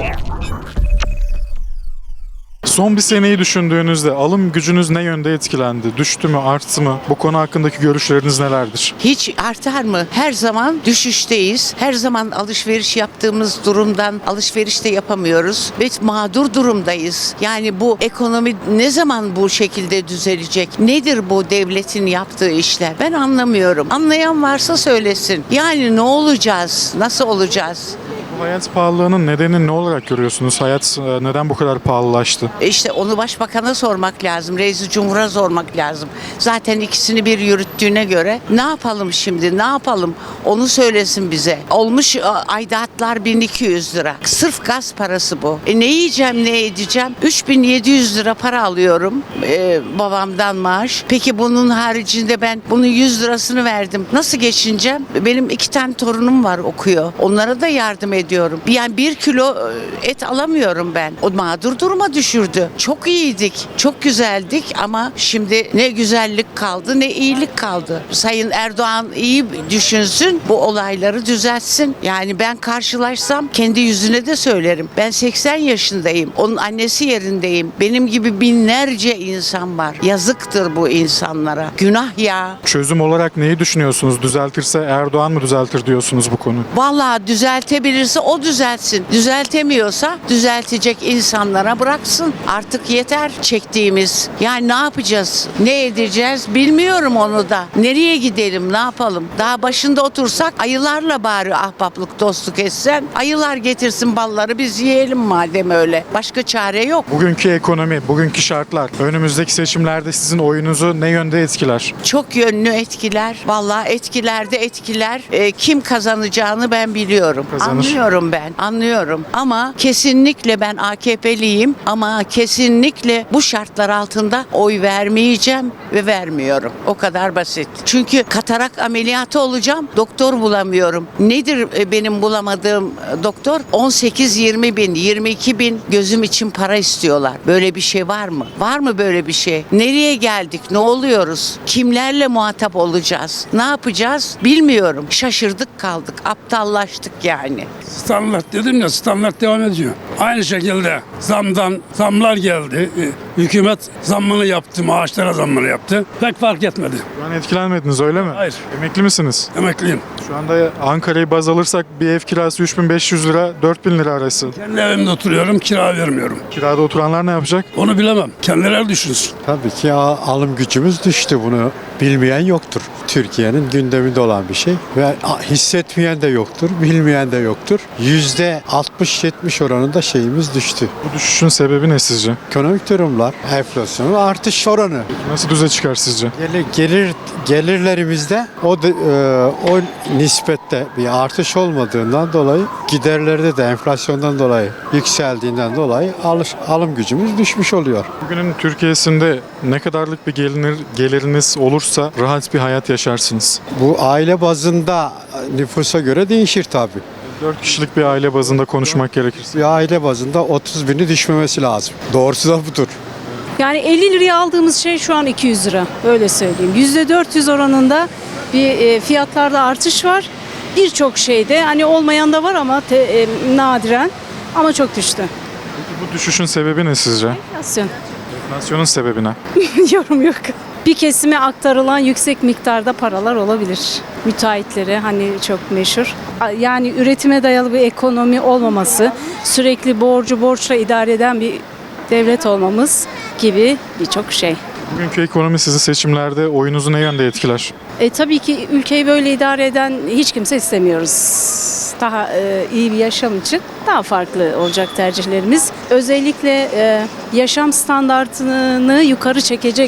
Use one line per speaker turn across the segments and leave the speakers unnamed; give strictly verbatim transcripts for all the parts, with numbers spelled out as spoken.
Son bir seneyi düşündüğünüzde alım gücünüz ne yönde etkilendi? Düştü mü, arttı mı? Bu konu hakkındaki görüşleriniz nelerdir?
Hiç artar mı? Her zaman düşüşteyiz. Her zaman alışveriş yaptığımız durumdan alışveriş de yapamıyoruz. Ve mağdur durumdayız. Yani bu ekonomi ne zaman bu şekilde düzelecek? Nedir bu devletin yaptığı işler? Ben anlamıyorum. Anlayan varsa söylesin. Yani ne olacağız? Nasıl olacağız?
Bu hayat pahalılığının nedenini ne olarak görüyorsunuz? Hayat e, neden bu kadar pahalılaştı?
İşte onu başbakana sormak lazım. Reis-i Cumhur'a sormak lazım. Zaten ikisini bir yürüttüğüne göre ne yapalım şimdi? Ne yapalım? Onu söylesin bize. Olmuş a, aidatlar bin iki yüz lira. Sırf gaz parası bu. E ne yiyeceğim, ne edeceğim? üç bin yedi yüz lira para alıyorum e, babamdan maaş. Peki bunun haricinde ben bunun yüz lirasını verdim. Nasıl geçineceğim? Benim iki tane torunum var, okuyor. Onlara da yardım ediyorum. Yani bir kilo et alamıyorum ben. O mağdur duruma düşürdü. Çok iyiydik, çok güzeldik ama şimdi ne güzellik kaldı ne iyilik kaldı. Sayın Erdoğan iyi düşünsün, bu olayları düzeltsin. Yani ben karşılaşsam kendi yüzüne de söylerim. Ben seksen yaşındayım. Onun annesi yerindeyim. Benim gibi binlerce insan var. Yazıktır bu insanlara. Günah ya.
Çözüm olarak neyi düşünüyorsunuz? Düzeltirse Erdoğan mı düzeltir diyorsunuz bu konu?
Vallahi düzeltebilirse o düzeltsin. Düzeltemiyorsa düzeltecek insanlara bıraksın. Artık yeter çektiğimiz. Yani ne yapacağız? Ne edeceğiz? Bilmiyorum onu da. Nereye gidelim? Ne yapalım? Daha başında otursak ayılarla bari ahbaplık, dostluk etsen. Ayılar getirsin balları, biz yiyelim madem öyle. Başka çare yok.
Bugünkü ekonomi, bugünkü şartlar, önümüzdeki seçimlerde sizin oyunuzu ne yönde etkiler?
Çok yönlü etkiler. Vallahi etkiler de etkiler. E, kim kazanacağını ben biliyorum.
Kazanır.
Anlıyorum ben. Anlıyorum. Ama kesinlikle ben A K P'liyim ama kesinlikle bu şartlar altında oy vermeyeceğim ve vermiyorum. O kadar basit. Çünkü katarak ameliyatı olacağım. Doktor bulamıyorum. Nedir e, benim bulamadığım e, doktor? on sekiz yirmi bin, yirmi iki bin gözüm için para istiyorlar. Böyle bir şey var mı? Var mı böyle bir şey? Nereye geldik? Ne oluyoruz? Kimlerle muhatap olacağız? Ne yapacağız? Bilmiyorum. Şaşırdık kaldık. Aptallaştık yani.
Standart dedim ya, standart devam ediyor. Aynı şekilde zamdan zamlar geldi. Ee, Hükümet zammını yaptı, maaşlara zammını yaptı. Pek fark etmedi.
Şu an etkilenmediniz öyle mi?
Hayır.
Emekli misiniz?
Emekliyim.
Şu anda Ankara'yı baz alırsak bir ev kirası üç bin beş yüz lira, dört bin lira arası.
Kendi evimde oturuyorum, kira vermiyorum.
Kirada oturanlar ne yapacak?
Onu bilemem. Kendileri düşünsün.
Tabii ki a- alım gücümüz düştü, bunu bilmeyen yoktur. Türkiye'nin gündeminde olan bir şey ve a- hissetmeyen de yoktur, bilmeyen de yoktur. yüzde altmış yetmiş oranında şeyimiz düştü.
Bu düşüşün sebebi ne sizce?
Ekonomik durumlar, enflasyonun artış oranı.
Nasıl düze çıkar sizce?
Gelir, gelir gelirlerimizde o da- e, o nispette bir artış olmadığından dolayı, giderlerde de enflasyondan dolayı yükseldiğinden dolayı alış, alım gücümüz düşmüş oluyor.
Bugünün Türkiye'sinde ne kadarlık bir gelir, geliriniz olursa rahat bir hayat yaşarsınız.
Bu aile bazında nüfusa göre değişir tabii.
dört kişilik bir aile bazında konuşmak gerekirse.
Bir aile bazında otuz bini düşmemesi lazım. Doğrusu da budur.
Yani elli liraya aldığımız şey şu an iki yüz lira. Öyle söyleyeyim. yüzde dört yüz oranında bir e, fiyatlarda artış var. Birçok şeyde hani olmayan da var ama te, e, nadiren ama çok düştü.
Peki bu düşüşün sebebi ne sizce?
Enflasyon.
Enflasyonun sebebi ne?
Yorum yok. Bir kesime aktarılan yüksek miktarda paralar olabilir. Müteahhitlere hani çok meşhur. Yani üretime dayalı bir ekonomi olmaması, sürekli borcu borçla idare eden bir devlet olmamız gibi birçok şey.
Bugünkü ekonomi sizi seçimlerde oyunuzu ne yönde etkiler?
E, tabii ki ülkeyi böyle idare eden hiç kimse istemiyoruz. Daha e, iyi bir yaşam için daha farklı olacak tercihlerimiz. Özellikle e, yaşam standartını yukarı çekecek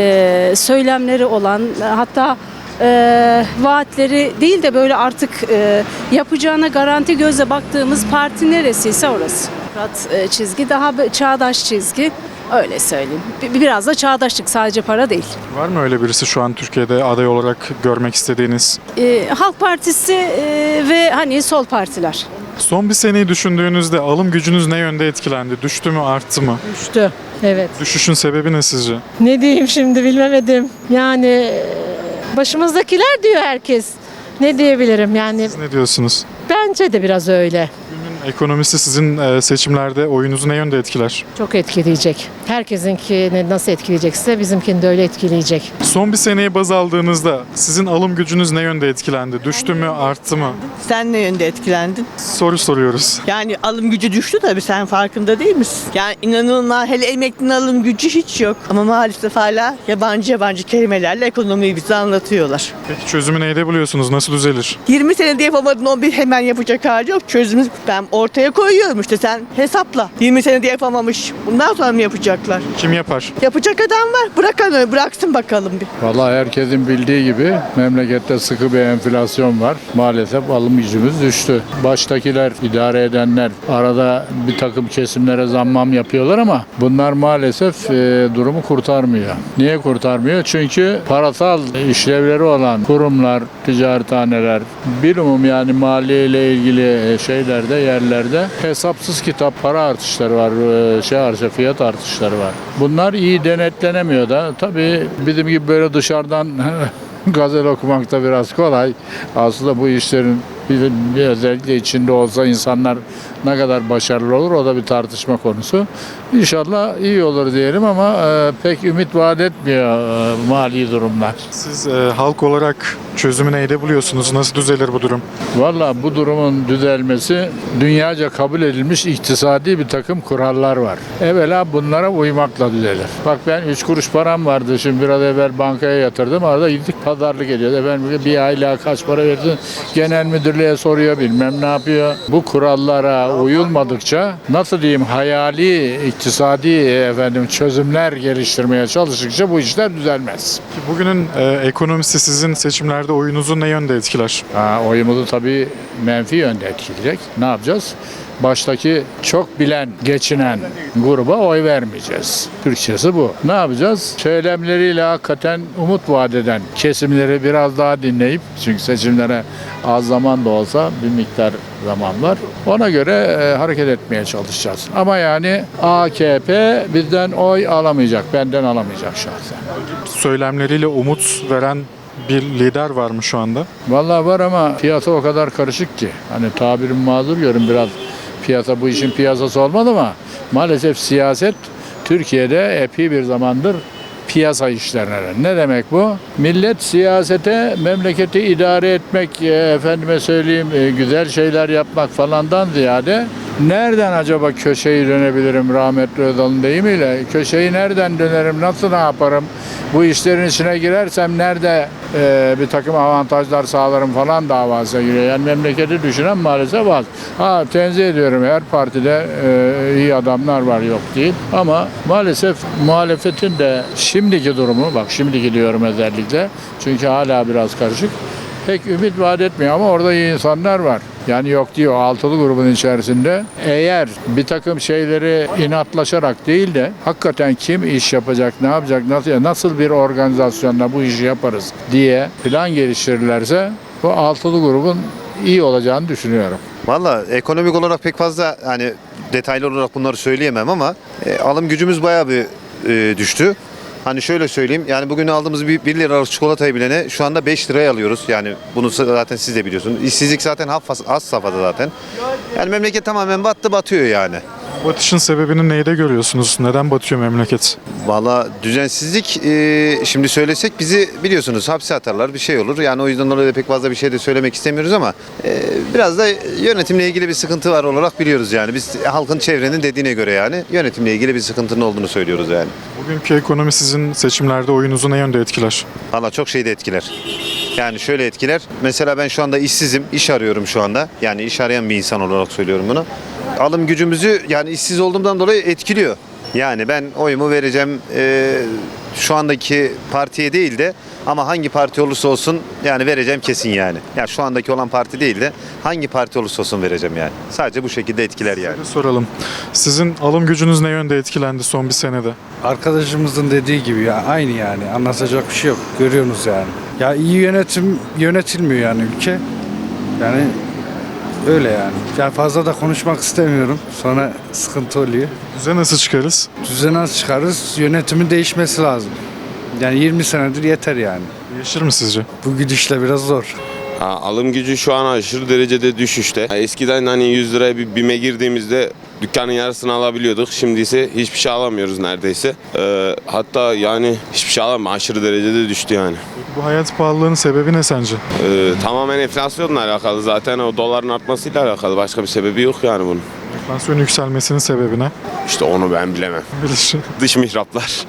e, söylemleri olan, hatta e, vaatleri değil de böyle artık e, yapacağına garanti gözle baktığımız parti neresiyse orası. Murat e, çizgi daha çağdaş çizgi. Öyle söyleyeyim. Bir- Biraz da çağdaşlık, sadece para değil.
Var mı öyle birisi şu an Türkiye'de aday olarak görmek istediğiniz?
Ee, Halk Partisi e, ve hani sol partiler.
Son bir seneyi düşündüğünüzde alım gücünüz ne yönde etkilendi? Düştü mü, arttı mı?
Düştü. Evet.
Düşüşün sebebi ne sizce?
Ne diyeyim şimdi bilemedim. Yani e, başımızdakiler diyor herkes. Ne diyebilirim yani,
Siz ne diyorsunuz?
bence de biraz öyle.
Günün Ekonomisi sizin e, seçimlerde oyunuzu ne yönde etkiler?
Çok etkileyecek. Herkesinkini nasıl etkileyecekse bizimkini de öyle etkileyecek.
Son bir seneyi baz aldığınızda sizin alım gücünüz ne yönde etkilendi? Düştü mü, arttı mı?
Sen ne yönde etkilendin?
Soru soruyoruz.
Yani alım gücü düştü tabii, sen farkında değil misin? Yani inanılmaz, hele emeklinin alım gücü hiç yok. Ama maalesef hala yabancı yabancı kelimelerle ekonomiyi bize anlatıyorlar.
Peki çözümü neyde buluyorsunuz? Nasıl düzelir?
yirmi senede yapamadın, o bir hemen yapacak hali yok. Çözümü ben ortaya koyuyorum işte, sen hesapla. yirmi senede yapamamış. Bundan sonra mı yapacaklar?
Kim yapar?
Yapacak adam var. Bırakan öyle, bıraksın bakalım bir.
Vallahi herkesin bildiği gibi memlekette sıkı bir enflasyon var. Maalesef alım gücümüz düştü. Baştakiler, idare edenler arada bir takım kesimlere zammam yapıyorlar ama bunlar maalesef e, durumu kurtarmıyor. Niye kurtarmıyor? Çünkü parasal işlevleri olan kurumlar, ticarethaneler, bilumum yani maliye ile ilgili şeylerde, yerlerde hesapsız kitap para artışları var, e, şey artışı, fiyat artışları var. Bunlar iyi denetlenemiyor da tabii bizim gibi böyle dışarıdan gazel okumak da biraz kolay. Aslında bu işlerin bir özellikle içinde olsa insanlar ne kadar başarılı olur, o da bir tartışma konusu. İnşallah iyi olur diyelim ama e, pek ümit vaat etmiyor e, mali durumlar.
Siz e, halk olarak çözümü neyde buluyorsunuz? Nasıl düzelir bu durum?
Valla bu durumun düzelmesi dünyaca kabul edilmiş iktisadi bir takım kurallar var. Evvela bunlara uymakla düzelir. Bak ben üç kuruş param vardı, şimdi biraz evvel bankaya yatırdım. Arada gittik pazarlık ediyoruz. Efendim bir aylığa kaç para verdin? Genel müdürlüğe soruyor, bilmem ne yapıyor. Bu kurallara uyulmadıkça nasıl diyeyim hayali iktisadi efendim çözümler geliştirmeye çalıştıkça bu işler düzelmez.
Bugünün e, ekonomisi sizin seçimlerde oyunuzu ne yönde etkiler?
Ha, oyumuzu tabii menfi yönde etkileyecek. Ne yapacağız? Baştaki çok bilen, geçinen gruba oy vermeyeceğiz. Türkçesi bu. Ne yapacağız? Söylemleriyle hakikaten umut vaat eden kesimleri biraz daha dinleyip, çünkü seçimlere az zaman da olsa bir miktar zaman var. Ona göre e, hareket etmeye çalışacağız. Ama yani A K P bizden oy alamayacak, benden alamayacak şahsen.
Söylemleriyle umut veren bir lider var mı şu anda?
Vallahi var ama piyasa o kadar karışık ki. Hani tabirim mazur görün, biraz piyasa bu işin piyasası olmadı ama maalesef siyaset Türkiye'de epey bir zamandır piyasa işlerine. Ne demek bu? Millet siyasete memleketi idare etmek, e, efendime söyleyeyim e, güzel şeyler yapmak falandan ziyade nereden acaba köşeyi dönebilirim, rahmetli Özal'ın deyimiyle köşeyi nereden dönerim, nasıl ne yaparım, bu işlerin içine girersem nerede e, bir takım avantajlar sağlarım falan davasına giriyor. Yani memleketi düşünen maalesef az. Ha, tenzih ediyorum, her partide e, iyi adamlar var, yok değil. Ama maalesef muhalefetin de şimdiki durumu, bak şimdiki diyorum özellikle, çünkü hala biraz karışık, pek ümit vaat etmiyor ama orada iyi insanlar var. Yani yok diyor, altılı grubun içerisinde eğer bir takım şeyleri inatlaşarak değil de hakikaten kim iş yapacak, ne yapacak, nasıl, nasıl bir organizasyonla bu işi yaparız diye plan geliştirirlerse bu altılı grubun iyi olacağını düşünüyorum.
Valla ekonomik olarak pek fazla hani detaylı olarak bunları söyleyemem ama e, alım gücümüz bayağı bir e, düştü. Hani şöyle söyleyeyim, yani bugün aldığımız bir bir liralık çikolatayı bilene şu anda beş liraya alıyoruz. Yani bunu zaten siz de biliyorsunuz. İşsizlik zaten az safhada zaten. Yani memleket tamamen battı, batıyor yani.
Batışın sebebini neyde görüyorsunuz? Neden batıyor memleket?
Valla düzensizlik, e, şimdi söylesek bizi biliyorsunuz hapse atarlar, bir şey olur. Yani o yüzden dolayı da pek fazla bir şey de söylemek istemiyoruz ama e, biraz da yönetimle ilgili bir sıkıntı var olarak biliyoruz yani. Biz halkın, çevrenin dediğine göre yani yönetimle ilgili bir sıkıntının olduğunu söylüyoruz yani.
Bugünkü ekonomi sizin seçimlerde oyunuzu ne yönde etkiler?
Valla çok şey de etkiler. Yani şöyle etkiler. Mesela ben şu anda işsizim, iş arıyorum şu anda. Yani iş arayan bir insan olarak söylüyorum bunu. Alım gücümüzü yani işsiz olduğumdan dolayı etkiliyor. Yani ben oyumu vereceğim e, şu andaki partiye değil de ama hangi parti olursa olsun yani vereceğim kesin yani. Ya şu andaki olan parti değil de hangi parti olursa olsun vereceğim yani. Sadece bu şekilde etkiler yani.
Bir soralım. Sizin alım gücünüz ne yönde etkilendi son bir senede?
Arkadaşımızın dediği gibi ya aynı yani, anlatacak bir şey yok, görüyorsunuz yani. Ya iyi yönetim yönetilmiyor yani ülke. Yani öyle yani. Yani fazla da konuşmak istemiyorum. Sonra sıkıntı oluyor.
Düze nasıl çıkarız?
Düzen nasıl çıkarız? Yönetimin değişmesi lazım. Yani yirmi senedir yeter yani.
Değişir mi sizce?
Bu gidişle biraz zor.
Ha, alım gücü şu an aşırı derecede düşüşte. Ha, eskiden hani yüz liraya bir BİM'e girdiğimizde dükkanın yarısını alabiliyorduk. Şimdi ise hiçbir şey alamıyoruz neredeyse. Ee, hatta yani hiçbir şey alamıyoruz. Aşırı derecede düştü yani.
Bu hayat pahalılığının sebebi ne sence?
Ee, tamamen enflasyonla alakalı. Zaten o doların artmasıyla alakalı. Başka bir sebebi yok yani bunun.
Enflasyon yükselmesinin sebebi ne?
İşte onu ben bilemem.
Bilir.
Dış mihraplar.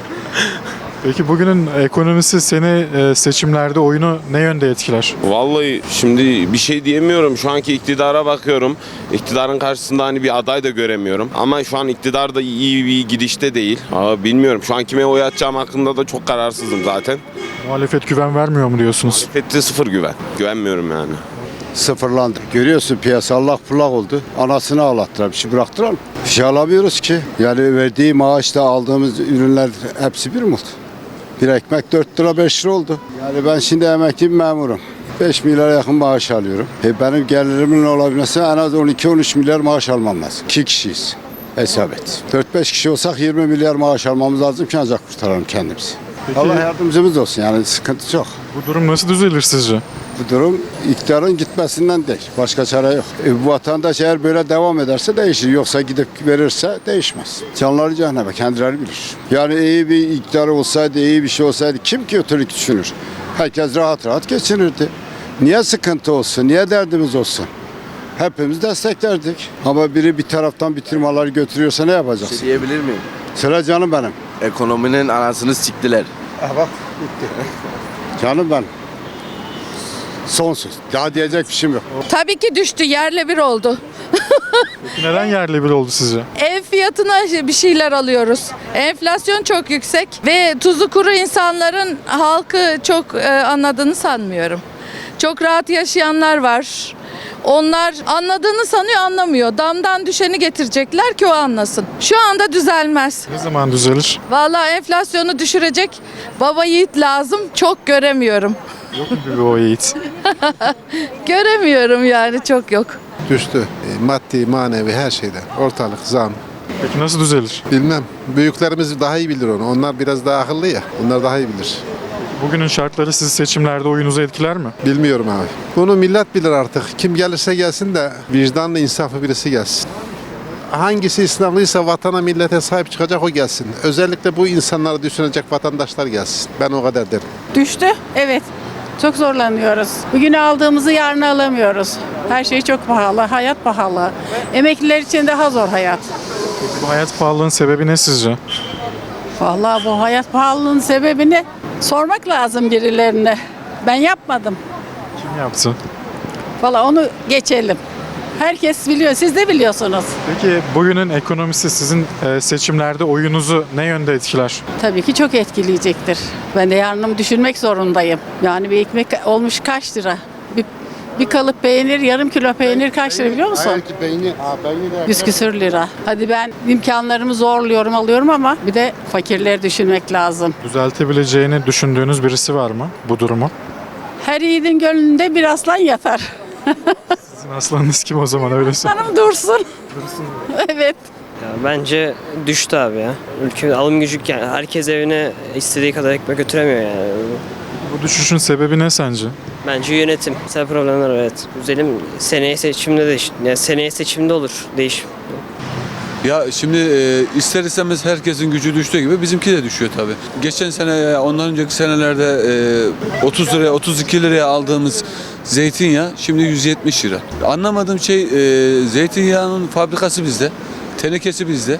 Peki bugünün ekonomisi seni e, seçimlerde oyunu ne yönde etkiler?
Vallahi şimdi bir şey diyemiyorum. Şu anki iktidara bakıyorum. İktidarın karşısında hani bir aday da göremiyorum. Ama şu an iktidar da iyi bir gidişte değil. Aa, bilmiyorum. Şu an kime oy atacağım hakkında da çok kararsızım zaten.
Muhalefet güven vermiyor mu diyorsunuz?
Muhalefette sıfır güven. Güvenmiyorum yani.
Sıfırlandı. Görüyorsun piyasa allak bullak oldu. Anasını ağlattılar. Bir şey bıraktılar mı? Bir şey alamıyoruz ki. Yani verdiği maaşla aldığımız ürünler hepsi bir mi? Bir ekmek dört lira beş lira oldu. Yani ben şimdi emekli bir memurum. beş milyara yakın maaş alıyorum. E benim gelirimin olabilmesi en az on iki on üç milyar maaş almam lazım. İki kişiyiz. Hesap et. dört beş kişi olsak yirmi milyar maaş almamız lazım ki ancak kurtaralım kendimizi.
Peki,
Allah yardımcımız olsun yani sıkıntı çok.
bu durum nasıl düzelir sizce?
Bu durum iktidarın gitmesinden değil. Başka çare yok. E, bu vatandaş eğer böyle devam ederse değişir. Yoksa gidip verirse değişmez. Canları cehenneme kendileri bilir. Yani iyi bir iktidar olsaydı, iyi bir şey olsaydı kim ki kötülük düşünür? Herkes rahat rahat geçinirdi. Niye sıkıntı olsun? Niye derdimiz olsun? Hepimiz desteklerdik. Ama biri bir taraftan bir firmaları götürüyorsa ne yapacaksın?
Şey diyebilir miyim?
Sıra canım benim.
Ekonominin anasını siktiler.
Ha bak bitti. Canım benim. Son söz. Daha diyecek bir şeyim yok.
Tabii ki düştü, yerle bir oldu.
Peki neden yerle bir oldu sizce?
Ev fiyatına bir şeyler alıyoruz. Enflasyon çok yüksek ve tuzu kuru insanların halkı çok e, anladığını sanmıyorum. Çok rahat yaşayanlar var. Onlar anladığını sanıyor, anlamıyor. Damdan düşeni getirecekler ki o anlasın. Şu anda düzelmez.
Ne zaman düzelir?
Vallahi enflasyonu düşürecek baba yiğit lazım. Çok göremiyorum.
Yok mu bir o yiğit?
Göremiyorum yani, çok yok.
Düştü. E, maddi, manevi her şeyden. Ortalık, zam.
Peki nasıl düzelir?
Bilmem. Büyüklerimiz daha iyi bilir onu. Onlar biraz daha akıllı ya. Onlar daha iyi bilir.
Bugünün şartları sizi seçimlerde oyunuzu etkiler mi?
Bilmiyorum abi. Bunu millet bilir artık. Kim gelirse gelsin de vicdanlı, insaflı birisi gelsin. Hangisi İslamlıysa vatana, millete sahip çıkacak o gelsin. Özellikle bu insanları düşünecek vatandaşlar gelsin. Ben o kadar derim.
Düştü, evet. Çok zorlanıyoruz. Bugün aldığımızı yarın alamıyoruz. Her şey çok pahalı, hayat pahalı. Emekliler için daha zor hayat.
Peki bu hayat pahalılığının sebebi ne sizce?
Vallahi bu hayat pahalılığının sebebini sormak lazım birilerine. Ben yapmadım.
Kim yaptı?
Vallahi onu geçelim. Herkes biliyor, siz de biliyorsunuz.
Peki bugünün ekonomisi sizin e, seçimlerde oyunuzu ne yönde etkiler?
Tabii ki çok etkileyecektir. Ben de yarınımı düşünmek zorundayım. Yani bir ekmek olmuş kaç lira? Bir, bir kalıp peynir, yarım kilo peynir kaç lira biliyor musun? Yüz küsür lira. Hadi ben imkanlarımı zorluyorum, alıyorum ama bir de fakirleri düşünmek lazım.
Düzeltebileceğini düşündüğünüz birisi var mı bu durumu?
Her yiğidin gönlünde bir aslan yatar.
Sizin aslanınız kim o zaman öyle söyleyeyim?
Hanım dursun. Evet.
Ya bence düştü abi ya. Ülke alım gücü, yani herkes evine istediği kadar ekmek götüremiyor yani.
Bu düşüşün sebebi ne sence?
Bence yönetim. Mesela problemler var, evet. Üzelim seneye seçimde de yani seneye seçimde olur değişim.
Ya şimdi e, ister istemez herkesin gücü düştüğü gibi bizimki de düşüyor tabii. Geçen sene, ondan önceki senelerde e, otuz liraya, otuz iki liraya aldığımız zeytinyağı şimdi yüz yetmiş lira. Anlamadığım şey e, zeytinyağının fabrikası bizde, tenekesi bizde,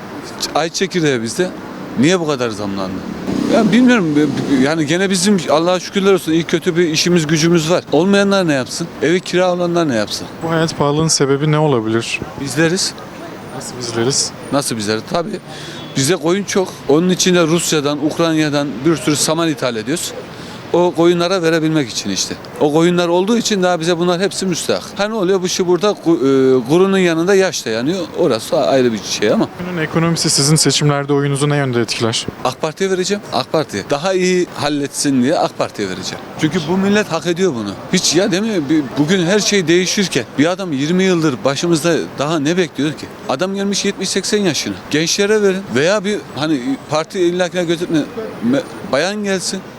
ay çekirdeği bizde. Niye bu kadar zamlandı? Ya bilmiyorum, yani gene bizim Allah'a şükürler olsun iyi kötü bir işimiz gücümüz var. Olmayanlar ne yapsın? Evi kira olanlar ne yapsın?
Bu hayat pahalılığının sebebi ne olabilir?
Bizleriz.
Nasıl bizleriz?
Nasıl bizleriz? Tabii. Bizde koyun çok. Onun için de Rusya'dan, Ukrayna'dan bir sürü saman ithal ediyoruz. O koyunlara verebilmek için işte. O koyunlar olduğu için daha bize bunlar hepsi müstahak. Hani oluyor bu şey burada kurunun yanında yaş da yanıyor. Orası ayrı bir şey ama.
Bugünün ekonomisi sizin seçimlerde oyunuzu ne yönde etkiler?
AK Parti'ye vereceğim. AK Parti. Daha iyi halletsin diye AK Parti'ye vereceğim. Çünkü bu millet hak ediyor bunu. Hiç ya değil mi? Bugün her şey değişirken bir adam yirmi yıldır başımızda daha ne bekliyor ki? Adam gelmiş yetmiş seksen yaşına. Gençlere verin veya bir hani parti illakine götürme bayan gelsin.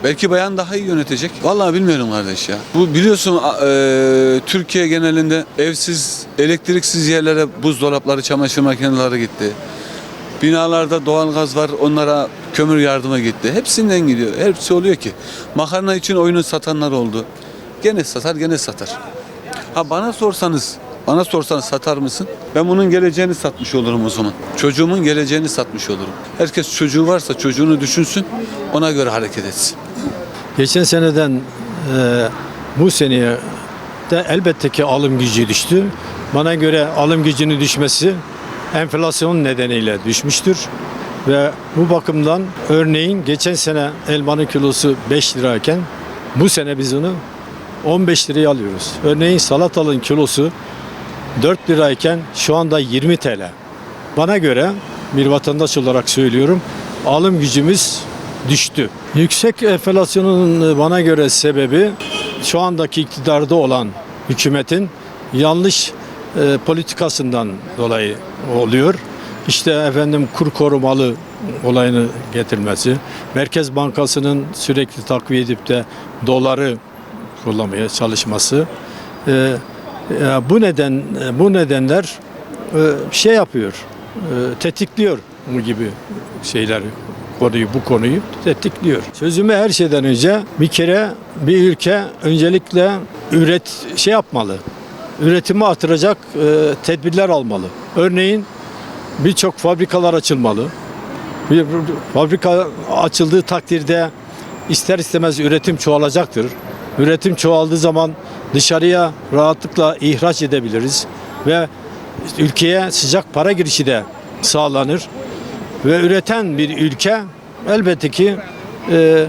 Belki bayan daha iyi yönetecek. Vallahi bilmiyorum kardeş ya. Bu biliyorsun e, Türkiye genelinde evsiz, elektriksiz yerlere buzdolapları, çamaşır makineleri gitti. Binalarda doğalgaz var, onlara kömür yardıma gitti. Hepsinden gidiyor. Hepsi oluyor ki. Makarna için oyunu satanlar oldu. Gene satar, gene satar. Ha bana sorsanız, bana sorsanız satar mısın? Ben bunun geleceğini satmış olurum o zaman. Çocuğumun geleceğini satmış olurum. Herkes çocuğu varsa çocuğunu düşünsün, ona göre hareket etsin.
Geçen seneden e, bu seneye de elbette ki alım gücü düştü. Bana göre alım gücünün düşmesi enflasyon nedeniyle düşmüştür. Ve bu bakımdan örneğin geçen sene elmanın kilosu beş lirayken bu sene biz onu on beş liraya alıyoruz. Örneğin salatalığın kilosu dört lirayken şu anda yirmi T L. Bana göre bir vatandaş olarak söylüyorum, alım gücümüz düştü. Yüksek enflasyonun bana göre sebebi şu andaki iktidarda olan hükümetin yanlış e, politikasından dolayı oluyor. İşte efendim kur korumalı olayını getirmesi, Merkez Bankası'nın sürekli takviye edip de doları kullanmaya çalışması. E, e, bu neden bu nedenler e, şey yapıyor, e, tetikliyor bu gibi şeyler. Konuyu, bu konuyu tetikliyor. Sözümü her şeyden önce bir kere bir ülke öncelikle üret şey yapmalı. Üretimi artıracak e, tedbirler almalı. Örneğin birçok fabrikalar açılmalı. Bir fabrika açıldığı takdirde ister istemez üretim çoğalacaktır. Üretim çoğaldığı zaman dışarıya rahatlıkla ihraç edebiliriz ve ülkeye sıcak para girişi de sağlanır. Ve üreten bir ülke elbette ki e,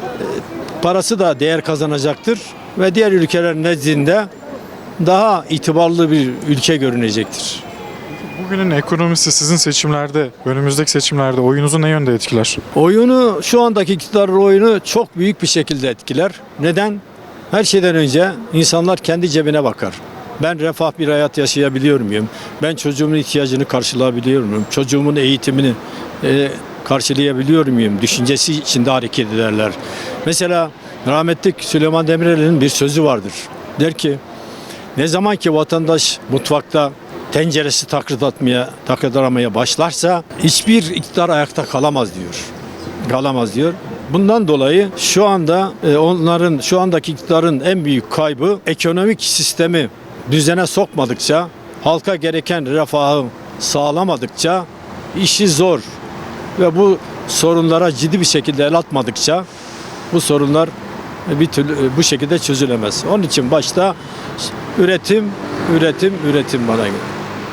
parası da değer kazanacaktır ve diğer ülkeler nezdinde daha itibarlı bir ülke görünecektir.
Bugünün ekonomisi sizin seçimlerde, önümüzdeki seçimlerde oyunuzu ne yönde etkiler?
Oyunu, şu andaki iktidarın oyunu çok büyük bir şekilde etkiler. Neden? Her şeyden önce insanlar kendi cebine bakar. Ben refah bir hayat yaşayabiliyor muyum? Ben çocuğumun ihtiyacını karşılayabiliyor muyum? Çocuğumun eğitimini e, karşılayabiliyor muyum? Düşüncesi içinde hareket ederler. Mesela rahmetli Süleyman Demirel'in bir sözü vardır. Der ki, ne zaman ki vatandaş mutfakta tenceresi takırdatmaya, takırdaramaya başlarsa hiçbir iktidar ayakta kalamaz diyor. Kalamaz diyor. Bundan dolayı şu anda e, onların, şu andaki iktidarın en büyük kaybı ekonomik sistemi düzene sokmadıkça, halka gereken refahı sağlamadıkça işi zor ve bu sorunlara ciddi bir şekilde el atmadıkça bu sorunlar bir türlü bu şekilde çözülemez. Onun için başta üretim, üretim, üretim bana göre.